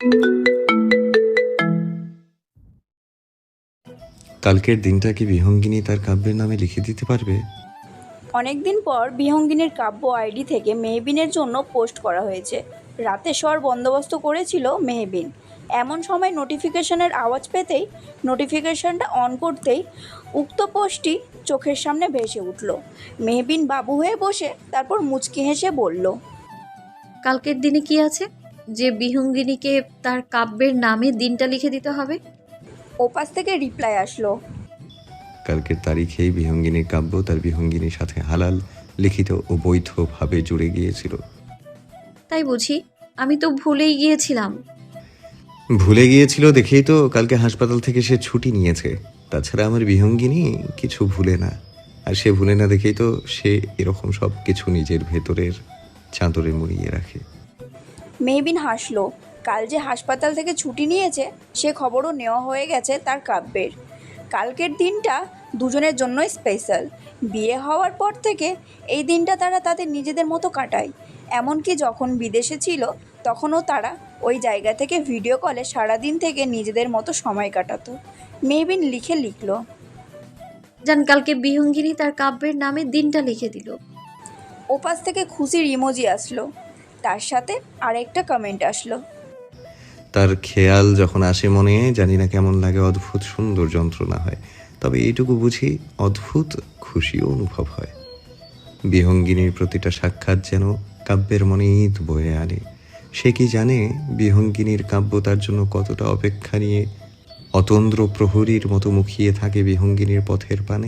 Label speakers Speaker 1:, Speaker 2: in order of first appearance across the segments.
Speaker 1: কালকের দিনটা কি বিহঙ্গিনী তার কাব্যের নামে লিখে দিতে পারবে?
Speaker 2: অনেকদিন পর বিহঙ্গিনীর কাব্য আইডি থেকে মেহবিনের জন্য পোস্ট করা হয়েছে। রাতে শোয়ার বন্দোবস্ত করেছিল মেহবিন। এমন সময় নোটিফিকেশনের আওয়াজ পেতেই নোটিফিকেশনটা অন করতেই উক্ত পোস্টটি চোখের সামনে ভেসে উঠল। মেহবিন বাবু হয়ে বসে তারপর মুচকি হেসে বলল,
Speaker 3: কালকের দিনে কি আছে যে বিহঙ্গিনীকে তার কাব্যের নামে দিনটা লিখে দিতে হবে?
Speaker 2: ওপাশ থেকে রিপ্লাই আসলো,
Speaker 1: কালকের তারিখেই বিহঙ্গিনীর কাব্য তার বিহঙ্গিনীর সাথে হালাল, লিখিত ও বৈধভাবে জুড়ে গিয়েছিল।
Speaker 3: তাই বুঝি? আমি তো ভুলেই গিয়েছিলাম।
Speaker 1: ভুলে গিয়েছিল দেখেই তো কালকে হাসপাতাল থেকে সে ছুটি নিয়েছে। তাছাড়া আমার বিহঙ্গিনী কিছু ভুলে না, আর সে ভুলে না দেখেই তো সে এরকম সব কিছু নিজের ভেতরের চাদরে মুড়িয়ে রাখে।
Speaker 2: মেহবিন হাসলো। কাল যে হাসপাতাল থেকে ছুটি নিয়েছে সে খবরও নেওয়া হয়ে গেছে তার কাব্যের। কালকের দিনটা দুজনের জন্যই স্পেশাল। বিয়ে হওয়ার পর থেকে এই দিনটা তারা তাদের নিজেদের মতো কাটায়। এমনকি যখন বিদেশে ছিল তখনও তারা ওই জায়গা থেকে ভিডিও কলে সারাদিন থেকে নিজেদের মতো সময় কাটাতো। মেহবিন লিখলো,
Speaker 3: জান কালকে বিহঙ্গিনী তার কাব্যের নামে দিনটা লিখে দিল।
Speaker 2: ওপাশ থেকে খুশির ইমোজি আসলো। তার সাথে আরেকটা কমেন্ট আসলো,
Speaker 1: তার খেয়াল যখন আসে মনে জানি না কেমন লাগে, অদ্ভুত সুন্দর যন্ত্রণা হয়, তবে এইটুকু বুঝি অদ্ভুত খুশিও অনুভব হয়। বিহঙ্গিনীর প্রতিটা সাক্ষাৎ যেন কাব্যের মনে ঈদ বয়ে আনে। সে কি জানে বিহঙ্গিনীর কাব্য তার জন্য কতটা অপেক্ষা নিয়ে অতন্দ্র প্রহরীর মতো মুখিয়ে থাকে বিহঙ্গিনীর পথের পানে।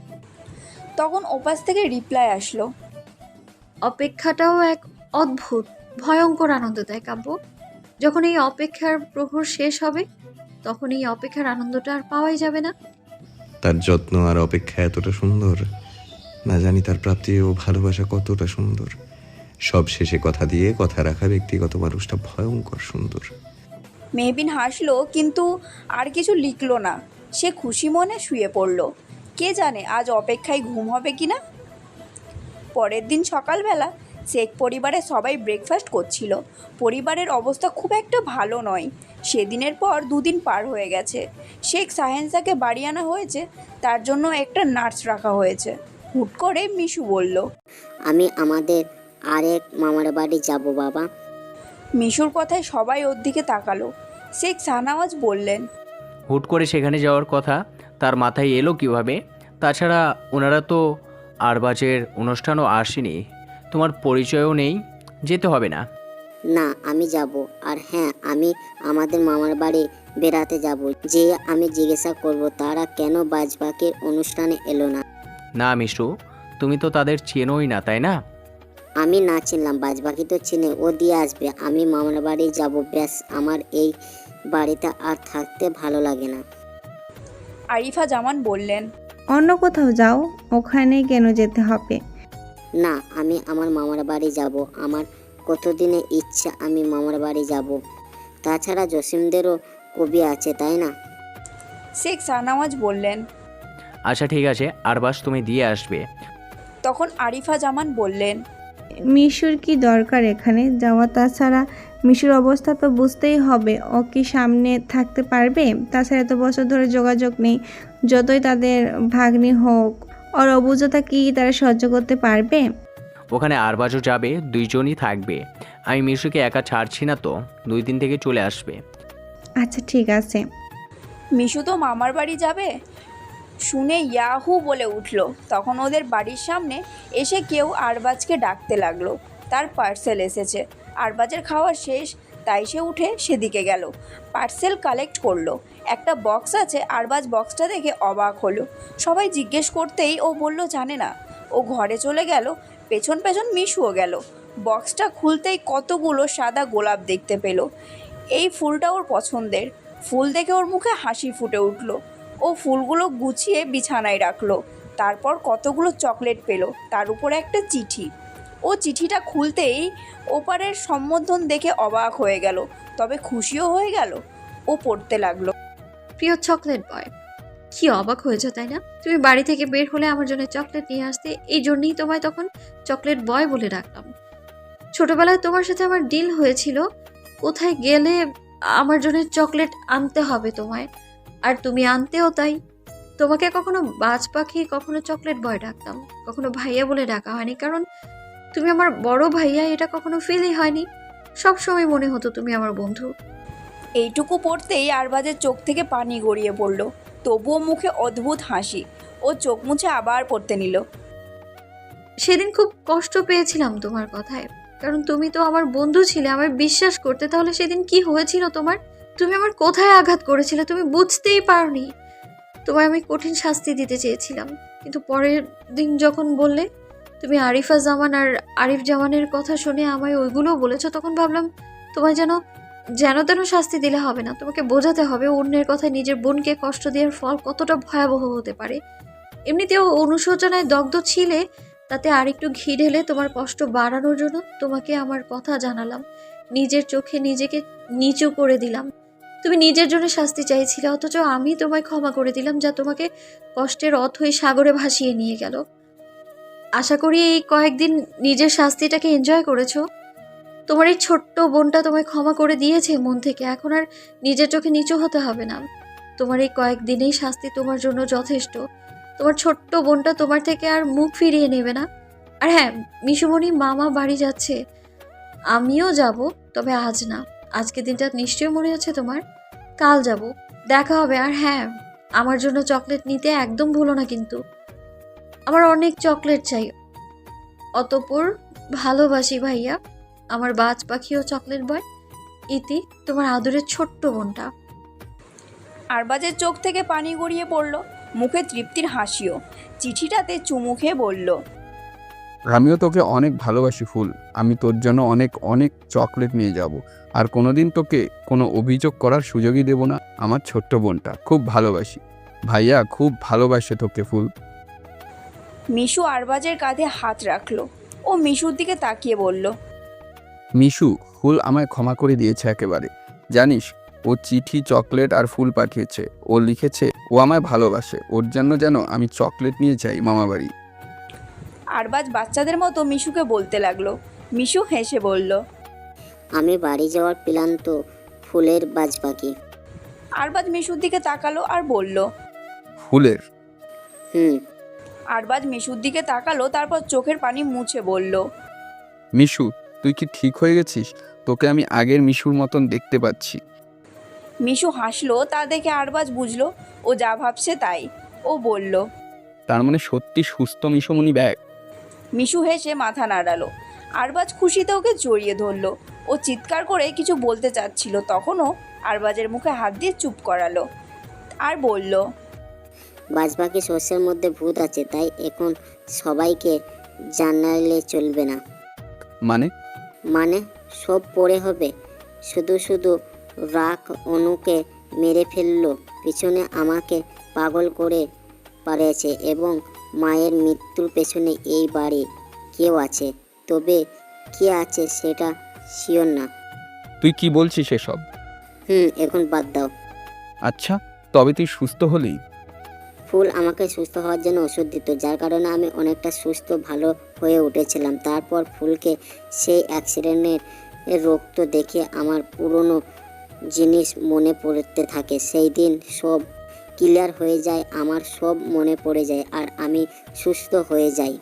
Speaker 2: তখন ওপাশ থেকে রিপ্লাই আসলো,
Speaker 3: অপেক্ষাটাও এক অদ্ভুত ভয়ঙ্কর আনন্দ দেয় কাব্য। যখন এই অপেক্ষার প্রহর শেষ হবে তখন এই অপেক্ষার আনন্দটা আর পাওয়াই যাবে না।
Speaker 1: তার যত্ন আর অপেক্ষা এতটা সুন্দর, না জানি তার প্রাপ্তি ও ভালোবাসা কতটা সুন্দর। সব শেষে কথা দিয়ে কথা রাখা ব্যক্তিগত মানুষটা ভয়ঙ্কর সুন্দর।
Speaker 2: মেহবিন হাসলো কিন্তু আর কিছু লিখলো না। সে খুশি মনে শুয়ে পড়ল। কে জানে আজ অপেক্ষায় ঘুম হবে কিনা। পরের দিন সকালবেলা শেখ পরিবারের সবাই ব্রেকফাস্ট করছিল। পরিবারের অবস্থা খুব একটা ভালো নয়। সেদিনের পর দুদিন পার হয়ে গেছে। শেখ সাহেন্সাকে বাড়ি আনা হয়েছে, তার জন্য একটা নার্স রাখা হয়েছে। হুট করে মিশু বলল,
Speaker 4: আমি আমাদের আরেক মামার বাড়ি যাব বাবা।
Speaker 2: মিশুর কথায় সবাই ওর দিকে তাকালো। শেখ শাহনওয়াজ বললেন,
Speaker 5: হুট করে সেখানে যাওয়ার কথা তার মাথায় এলো কিভাবে? তাছাড়া ওনারা তো আরবাজের অনুষ্ঠানও আসেনি, তোমার পরিচয়ও নেই, যেতে হবে না।
Speaker 4: না আমি যাব, আর হ্যাঁ আমি আমাদের মামার বাড়ি বেড়াতে যাব। যে আমি জিজ্ঞাসা করব তারা কেন বাজবাকের অনুষ্ঠানে এলো না।
Speaker 5: না মিশু, তুমি তো তাদের চেনোই না, তাই না?
Speaker 4: আমি না চিনলাম, বাজবাকি তো চিনে, ও দিয়ে আসবে। আমি মামার বাড়ি যাব, ব্যাস। আমার এই বাড়িতে আর থাকতে ভালো লাগে না।
Speaker 2: আরিফা জামান বললেন,
Speaker 6: অন্য কোথাও যাও, ওখানে কেন যেতে হবে?
Speaker 4: না আমি আমার মামার বাড়ি যাব। আমার কতদিনে ইচ্ছা আমি মামার বাড়ি যাব। তাছাড়া জসিমদেরও কবি আছে, তাই না?
Speaker 2: শেখ শাহনওয়াজ বললেন।
Speaker 5: আচ্ছা ঠিক আছে, আরবাজ তুমি দিয়ে আসবে।
Speaker 2: তখন আরিফা জামান বললেন,
Speaker 6: মিশুর কি দরকার এখানে যাওয়া? তাছাড়া মিশুর অবস্থা তো বুঝতেই হবে, ও কি সামনে থাকতে পারবে? তাছাড়া এত বছর ধরে যোগাযোগ নেই, যতই তাদের ভাগ্নি হোক, ওর অবুঝতা কি তারা সহ্য করতে পারবে?
Speaker 5: ওখানে আরবাজও যাবে, দুইজনই থাকবে। আমি মিশুকে একা ছাড়ছি না তো, 2 দিন থেকে চলে আসবে।
Speaker 6: আচ্ছা ঠিক আছে।
Speaker 2: মিশু তো মামার বাড়ি যাবে শুনে ইয়াহু বলে উঠল। তখন ওদের বাড়ির সামনে এসে কেউ আরবাজকে ডাকতে লাগলো। তার পার্সেল এসেছে। আরবাজের খাওয়া শেষ, তাই সে উঠে সেদিকে গেল। পার্সেল কালেক্ট করলো। একটা বক্স আছে। আরবাজ বক্সটা দেখে অবাক হলো। সবাই জিজ্ঞেস করতেই ও বলল জানে না। ও ঘরে চলে গেল। পেছন পেছন মিশুও গেল। বক্সটা খুলতেই কতগুলো সাদা গোলাপ দেখতে পেল। এই ফুলটা ওর পছন্দের। ফুল দেখে ওর মুখে হাসি ফুটে উঠল। ও ফুলগুলো গুছিয়ে বিছানায় রাখলো। তারপর কতগুলো চকলেট পেল, তার উপরে একটা চিঠি। ও চিঠিটা খুলতেই ওপারের সম্বোধন দেখে অবাক হয়ে গেল, তবে খুশিও হয়ে গেল। ও পড়তে লাগলো,
Speaker 3: প্রিয় চকলেট বয়, কি অবাক হয়েছে তাই না? তুমি বাড়ি থেকে বের হলে আমার জন্য চকলেট নিয়ে আসতে, এই জন্যই তোমায় তখন চকলেট বয় বলে ডাকলাম। ছোটবেলায় তোমার সাথে আমার ডিল হয়েছিল, কোথায় গেলে আমার জন্য চকলেট আনতে হবে তোমায়, আর তুমি আনতেও তাই। তোমাকে কখনো বাজ পাখি, কখনো চকলেট বয় ডাকতাম, কখনো ভাইয়া বলে ডাকা হয়নি, কারণ তুমি আমার বড় ভাইয়া, এটা কখনো ফিলই হয়নি। সবসময় মনে হতো তুমি আমার বন্ধু।
Speaker 2: এইটুকু পড়তেই আরবাজের চোখ থেকে পানি গড়িয়ে পড়ল, তবুও মুখে অদ্ভুত হাসি। ও চোখ মুছে আবার পড়তে নিল।
Speaker 3: সেদিন খুব কষ্ট পেয়েছিলাম তোমার কথায়, কারণ তুমি তো আমার বন্ধু ছিলে, আমার বিশ্বাস করতে। তাহলে সেদিন কি হয়েছিল তোমার? তুমি আমার কোথায় আঘাত করেছিলে তুমি বুঝতেই পারোনি। তোমায় আমি কঠিন শাস্তি দিতে চেয়েছিলাম, কিন্তু পরের দিন যখন বললে তুমি আরিফা জামান আর আরিফ জামানের কথা শুনে আমায় ওইগুলো বলেছো, তখন ভাবলাম তোমায় যেন যেন তেন শাস্তি দিলে হবে না। তোমাকে বোঝাতে হবে অন্যের কথায় নিজের বোনকে কষ্ট দেওয়ার ফল কতটা ভয়াবহ হতে পারে। এমনিতেও অনুশোচনায় দগ্ধ ছিলে, তাতে আরেকটু ঘি ঢেলে তোমার কষ্ট বাড়ানোর জন্য তোমাকে আমার কথা জানালাম। নিজের চোখে নিজেকে নিচু করে দিলাম। তুমি নিজের জন্য শাস্তি চাইছিলে, অথচ আমি তোমায় ক্ষমা করে দিলাম, যা তোমাকে কষ্টের অথই সাগরে ভাসিয়ে নিয়ে গেল। আশা করি এই কয়েকদিন নিজের শাস্তিটাকে এনজয় করেছো। তোমার এই ছোট্ট বোনটা তোমায় ক্ষমা করে দিয়েছে মন থেকে, এখন আর নিজের চোখে নিচু হতে হবে না। তোমার এই কয়েকদিনেই শাস্তি তোমার জন্য যথেষ্ট। তোমার ছোট্ট বোনটা তোমার থেকে আর মুখ ফিরিয়ে নেবে না। আর হ্যাঁ, মিশুমণি মামা বাড়ি যাচ্ছে, আমিও যাব, তবে আজ না। আজকে দিনটা নিশ্চয়ই মনে আছে তোমার। কাল যাব, দেখা হবে। আর হ্যাঁ, আমার জন্য চকলেট নিতে একদম ভুলো না কিন্তু। আমার অনেক চকলেট চাই। অতঃপর ভালোবাসি ভাইয়া, আমার বাজ পাখি ও চকলেট বয়। ইতি, তোমার আদরের ছোট্ট বোনটা।
Speaker 2: আরবাজের চোখ থেকে পানি গড়িয়ে পড়ল, মুখে তৃপ্তির হাসিও। চিঠিটাতে চুমু খেয়ে বলল,
Speaker 7: আমিও তোকে অনেক ভালোবাসি ফুল। আমি তোর জন্য অনেক অনেক চকলেট নিয়ে যাব, আর কোনোদিন তোকে কোনো অভিযোগ করার সুযোগই দেব না। আমার ছোট্ট বোনটা খুব ভালোবাসি। ভাইয়া খুব ভালোবাসে তোকে ফুল।
Speaker 2: মিশু আরবাজের কাঁধে হাত রাখলো। ও মিশুর দিকে তাকিয়ে বলল,
Speaker 7: মিশু ফুল আমায় ক্ষমা করে দিয়েছে একেবারে। জানিস, ও চিঠি, চকলেট আর ফুল পাঠিয়েছে। ও লিখেছে ও আমায় ভালোবাসে, ওর জন্য যেন আমি চকলেট নিয়ে যাই মামাবাড়ি।
Speaker 2: আরবাজ বাচ্চাদের মতো মিশুকে বলতে লাগলো। মিশু হেসে বলল,
Speaker 4: আমি বাড়ি যাওয়ার প্ল্যান তো ফুলের বাজ পাখি।
Speaker 2: আরবাজ মিশুর দিকে তাকালো আর বলল,
Speaker 7: ফুলের?
Speaker 4: হুম।
Speaker 2: আরবাজ মিশুর দিকে তাকালো, তারপর চোখের পানি মুছে বলল,
Speaker 7: মিশু, তুই কি ঠিক হয়ে গেছিস? তোকে আমি আগের মিশুর মতন দেখতে পাচ্ছি।
Speaker 2: মিশু হাসলো। তা দেখে আরবাজ বুঝলো ও যা ভাবছে তাই। ও বলল,
Speaker 7: তার মানে সত্যি সুস্থ মিশুমণি ব্যাগ?
Speaker 2: মিশু হেসে মাথা নাড়ালো। আরবাজ খুশিতে ওকে জড়িয়ে ধরলো। ও চিৎকার করে কিছু বলতে চাচ্ছিল, তখনও আরবাজের মুখে হাত দিয়ে চুপ করালো আর বলল,
Speaker 4: বাজ পাখি শস্যের মধ্যে ভূত আছে, তাই এখন সবাইকে জানালে চলবে না।
Speaker 7: মানে?
Speaker 4: মানে সব পড়ে হবে। শুধু শুধু রাগ অনুকে মেরে ফেললো, পিছনে আমাকে পাগল করে পারেছে, এবং মায়ের মৃত্যুর পেছনে এই বাড়ি কেউ আছে। তবে কে আছে সেটা শিওর না।
Speaker 7: তুই কি বলছিস এসব?
Speaker 4: এখন বাদ দাও।
Speaker 7: আচ্ছা, তবে তুই সুস্থ হলি?
Speaker 4: ফুল আমাকে সুস্থ হওয়ার জন্য ওষুধ দিত, যার কারণে আমি অনেকটা সুস্থ ভালো হয়ে উঠেছিলাম। তারপর ফুলকে সেই অ্যাক্সিডেন্টের রক্ত দেখে আমার পুরনো জিনিস মনে পড়তে থাকে। সেই দিন সব ক্লিয়ার হয়ে যায়, আমার সব মনে পড়ে যায়, আর আমি সুস্থ হয়ে যাই।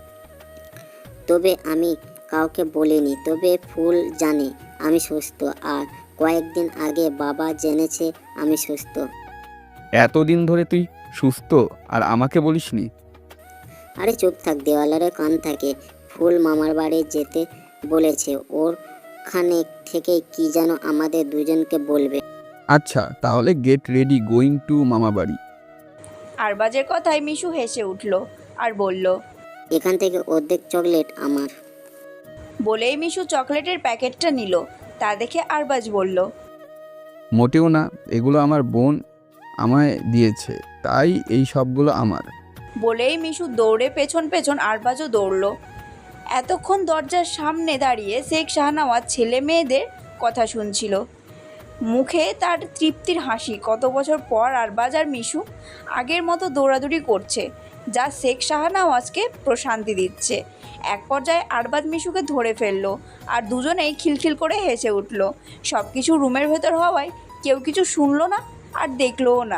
Speaker 4: তবে আমি কাউকে বলিনি, তবে ফুল জানে আমি সুস্থ, আর কয়েকদিন আগে বাবা জেনেছে আমি সুস্থ।
Speaker 7: এতদিন ধরে তুই সুস্থ আর আমাকে বলিসনি?
Speaker 4: আরে চুপ থাক, দেওয়ালের কান থাকে। ফুল মামার বাড়ি যেতে বলেছে, ওরখানে থেকে কি যেন আমাদের দুজনকে বলবে।
Speaker 7: আচ্ছা, তাহলে গেট রেডি, গোয়িং টু মামা বাড়ি।
Speaker 2: আরবাজের কথায় মিশু হেসে উঠল আর বলল,
Speaker 4: এখান থেকে অর্ধেক চকলেট আমার।
Speaker 2: বলেই মিশু চকলেটের প্যাকেটটা নিল। তা দেখে আরবাজ বলল,
Speaker 7: মোটেও না, এগুলো আমার বোন আমায় দিয়েছে, তাই এই সবগুলো আমার।
Speaker 2: বলেই মিশু দৌড়ে পেছন পেছন আরবাজও দৌড়ল। এতক্ষণ দরজার সামনে দাঁড়িয়ে শেখ শাহনওয়াজ ছেলে মেয়েদের কথা শুনছিল। মুখে তার তৃপ্তির হাসি। কত বছর পর আরবাজ আর মিশু আগের মতো দৌড়াদৌড়ি করছে। যা শেখ শাহনওয়াজকে প্রশান্তি দিচ্ছে। এক পর্যায়ে আরবাজ মিশুকে ধরে ফেললো আর দুজনেই খিলখিল করে হেসে উঠল। সব কিছু রুমের ভেতর হওয়ায় কেউ কিছু শুনলো না আর দেখলোও না।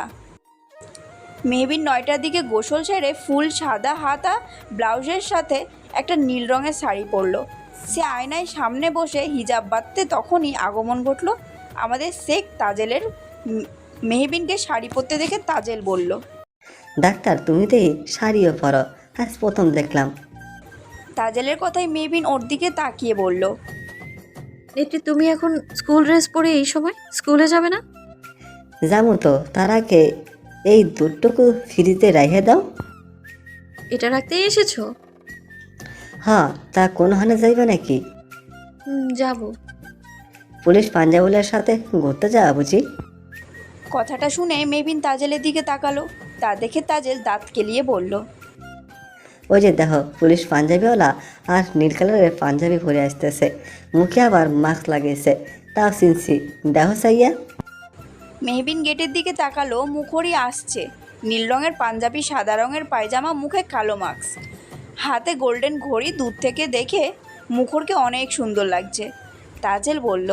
Speaker 2: মেহবিন 9টার দিকে গোসল সেরে ফুল সাদা হাতা ব্লাউজের সাথে একটা নীল রঙের শাড়ি পরলো। সে আয়নায় সামনে বসে হিজাব বাঁধতে তখনই আগমন ঘটল আমাদের শেখ তাজেলের। মেহবিনকে শাড়ি পরতে দেখে তাজেল বলল,
Speaker 8: ডাক্তার তুমি তো এই শাড়িও পরো, আজ প্রথম দেখলাম।
Speaker 2: তাজেলের কথায় মেহবিন ওর দিকে তাকিয়ে বলল,
Speaker 3: নেত্রী তুমি এখন স্কুল ড্রেস পরে এই সময় স্কুলে যাবে না?
Speaker 8: যাবো তো, তার আগে এই দুধটুকু ফ্রিজে রেখে দাও।
Speaker 3: এটা রাখতেই এসেছো?
Speaker 8: হ্যাঁ, তা কোনখানে যাইবে নাকি?
Speaker 3: যাব।
Speaker 8: পুলিশ পাঞ্জাবুলের সাথে ঘুরতে যাওয়া বুঝি?
Speaker 2: কথাটা শুনে মেহবিন তাজেলের দিকে তাকালো। তা দেখে তাজেল দাঁত কেলিয়ে বলল,
Speaker 8: ওই যে দেখো, পুলিশ পাঞ্জাবিওয়ালা আর নীল কালারের পাঞ্জাবি পরে আসতেছে, মুখে আবার মাস্ক লাগিয়েছে, তাও চিনছি, দেখো সাইয়া।
Speaker 2: মেহবিন গেটের দিকে তাকালো। মুখরই আসছে, নীল রঙের পাঞ্জাবি, সাদা রঙের পায়জামা, মুখে কালো মাস্ক, হাতে গোল্ডেন ঘড়ি। দূর থেকে দেখে মুখরকে অনেক সুন্দর লাগছে। তাজেল বলল,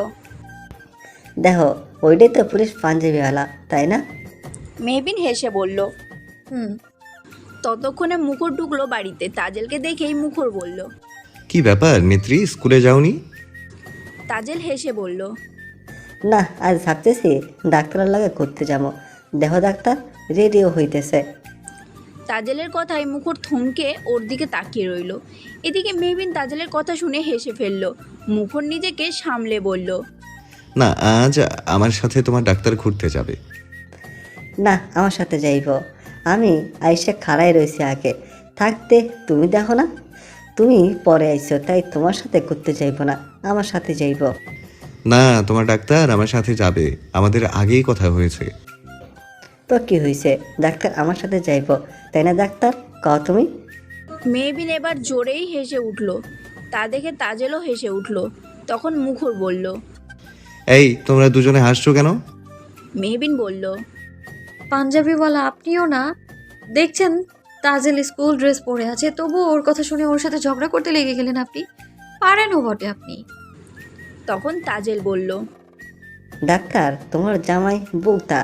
Speaker 8: দেখো ওইটাই তো পুলিশ পাঞ্জাবিওয়ালা, তাই না?
Speaker 2: মেহবিন হেসে বলল।
Speaker 3: হুম।
Speaker 2: ততক্ষণে মুখর ঢুকলো বাড়িতে। তাজেলকে দেখেই মুখর বলল,
Speaker 1: কি ব্যাপার নেত্রী, স্কুলে যাওনি?
Speaker 2: তাজেল হেসে বলল,
Speaker 8: না, আজ ভাবতেছি ডাক্তারের লাগে করতে যাবো। দেখো ডাক্তার রেডিও হইতেছে।
Speaker 2: তাজেলের কথায় মুখর থমকে ওর দিকে তাকিয়ে রইল। এদিকে মেহবিন তাজেলের কথা শুনে হেসে ফেলল। মুখর নিজেকে সামলে বলল,
Speaker 1: না, আজ আমার সাথে তোমার ডাক্তার ঘুরতে যাবে।
Speaker 8: না, আমার সাথে যাইব। আমি আইসে খাড়াই রয়েছি আগে থাকতে, তুমি দেখো না, তুমি পরে আইছো, তাই তোমার সাথে ঘুরতে যাইব না, আমার সাথে যাইব।
Speaker 1: না, তোমার ডাক্তার আমার সাথে যাবে, আমাদের আগেই কথা হয়েছে।
Speaker 8: তো কি হয়েছে, ডাক্তার আমার সাথে যাইব, তাই না ডাক্তার, কও তুমি?
Speaker 2: মেহবিন এবার জোরেই হেসে উঠল। তা দেখে তাজেলও হেসে উঠল। তখন মুখর বলল,
Speaker 1: এই তোমরা দুজনে হাসছো কেন?
Speaker 2: মেহবিন বলল,
Speaker 3: পাঞ্জাবিওয়ালা আপনিও না? দেখছেন তাজেল স্কুল ড্রেস পরে আছে, তবু ওর কথা শুনে ওর সাথে ঝগড়া করতে লেগে গেলেন আপনি। পারেনও বটে আপনি।
Speaker 2: তখন তাজেল বলল,
Speaker 8: ডাক্তার তোমার জামাই বোকা।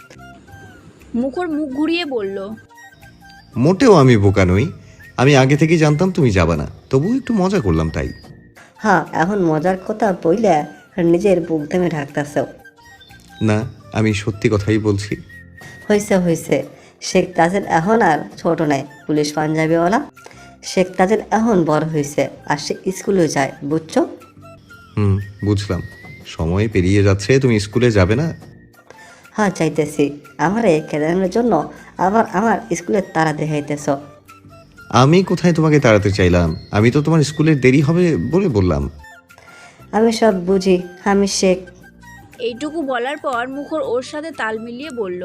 Speaker 2: মুখর মুখ ঘুরিয়ে বলল,
Speaker 1: মোটেও আমি বোকা নই, আমি আগে থেকেই জানতাম তুমি যাবে না, তবু একটু মজা করলাম তাই।
Speaker 8: হ্যাঁ, এখন মজার কথা বইলে নিজের বুক দামে ঢাকতেছ।
Speaker 1: না, আমি সত্যি কথাই বলছি।
Speaker 8: হয়েছে হয়েছে, শেখ তাজেল এখন আর ছোট নাই, পুলিশ পাঞ্জাবিওয়ালা। শেখ তাজেল এখন বড় হয়েছে আর সে স্কুলে যায়, বুঝছো?
Speaker 1: বুঝলাম। সময় পেরিয়ে যাচ্ছে, তুমি স্কুলে যাবে না?
Speaker 8: হ্যাঁ চাইতেছি, আমার এই কেদারের জন্য আবার আমার স্কুলের তারা দেখাইতেছ।
Speaker 1: আমি কোথায় তোমাকে তাড়াতে চাইলাম, আমি তো তোমার স্কুলের দেরি হবে বলে বললাম।
Speaker 8: আমি সব বুঝি, আমি শেখ।
Speaker 2: এইটুকু বলার পর মুখর ওর সাথে তাল মিলিয়ে বলল,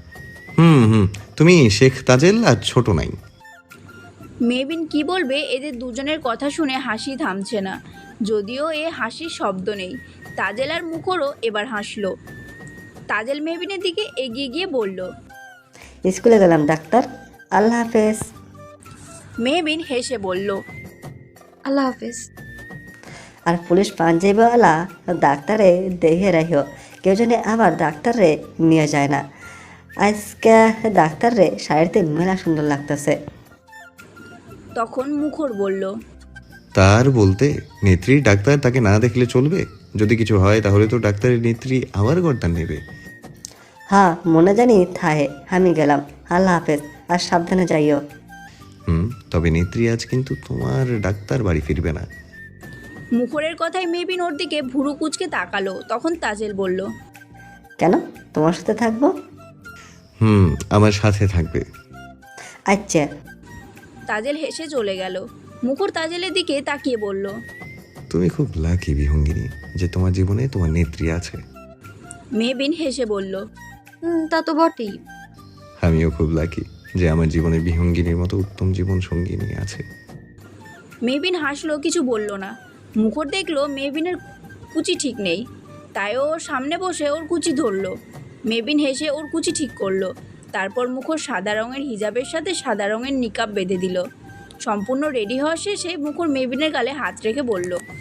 Speaker 1: তুমি শেখ তাজেল আর ছোট নাই।
Speaker 2: মেহবিন কি বলবে, এদের দুজনের কথা শুনে হাসি থামছে না। যদিও এ হাসির শব্দ নেই। তাজেল আর মুখরও এবার হাসলো। তাজেল মেহবিনের দিকে এগিয়ে গিয়ে বলল,
Speaker 8: স্কুলে গেলাম ডাক্তার, আল্লাহ হাফেজ।
Speaker 2: মেহবিন হেসে বলল,
Speaker 3: আল্লাহ হাফেজ।
Speaker 8: আর পুলিশ পাঞ্জাবিওয়ালা ডাক্তারে দেখে রাখিও, কেউ যেন আবার ডাক্তারে নিয়ে যায় না। আজকে ডাক্তারে শাড়িতে মেলা সুন্দর লাগতেছে।
Speaker 2: তখন মুখর বলল,
Speaker 1: তার বলতে নেত্রীর ডাক্তার তাকে না দেখলে চলবে? যদি কিছু হয় তাহলে তো ডাক্তারের নেত্রী আবার গর্দান নেবে।
Speaker 8: হ্যাঁ, মনে জানি থাহে, আমি গেলাম, আল্লাহ হাফেজ, আর সাবধানে যাইও।
Speaker 1: তবে নেত্রী আজ কিন্তু তোমার ডাক্তার বাড়ি ফিরবে না।
Speaker 2: মুখরের কথায় মেহবিন ওর দিকে ভুরু কুচকে তাকালো। তখন তাজেল বলল,
Speaker 8: কেন, তোমার সাথে থাকবো?
Speaker 1: আমার সাথে থাকবে।
Speaker 8: আচ্ছা।
Speaker 2: তাজেল হেসে চলে গেল। মুখর তাজেলের দিকে তাকিয়ে বলল,
Speaker 1: তুমি খুব লাকি বিহঙ্গিনী যে তোমার জীবনে তোমার নেত্রী আছে।
Speaker 2: মেহবিন হেসে বলল,
Speaker 3: তা তো বটেই।
Speaker 1: আমিও খুব লাকি যে আমার জীবনে বিহঙ্গিনীর মতো উত্তম জীবন সঙ্গিনী আছে।
Speaker 2: মেহবিন হাসলো, কিছু বলল না। মুখর দেখলো মেহবিনের কুচি ঠিক নেই, তাই ওর সামনে বসে ওর কুচি ধরলো। মেহবিন হেসে ওর কুচি ঠিক করলো। তারপর মুখর সাদা রঙের হিজাবের সাথে সাদা রঙের নিকাব বেঁধে দিল। সম্পূর্ণ রেডি হওয়া শেষে মুখর মেবিনের গালে হাত রেখে বলল,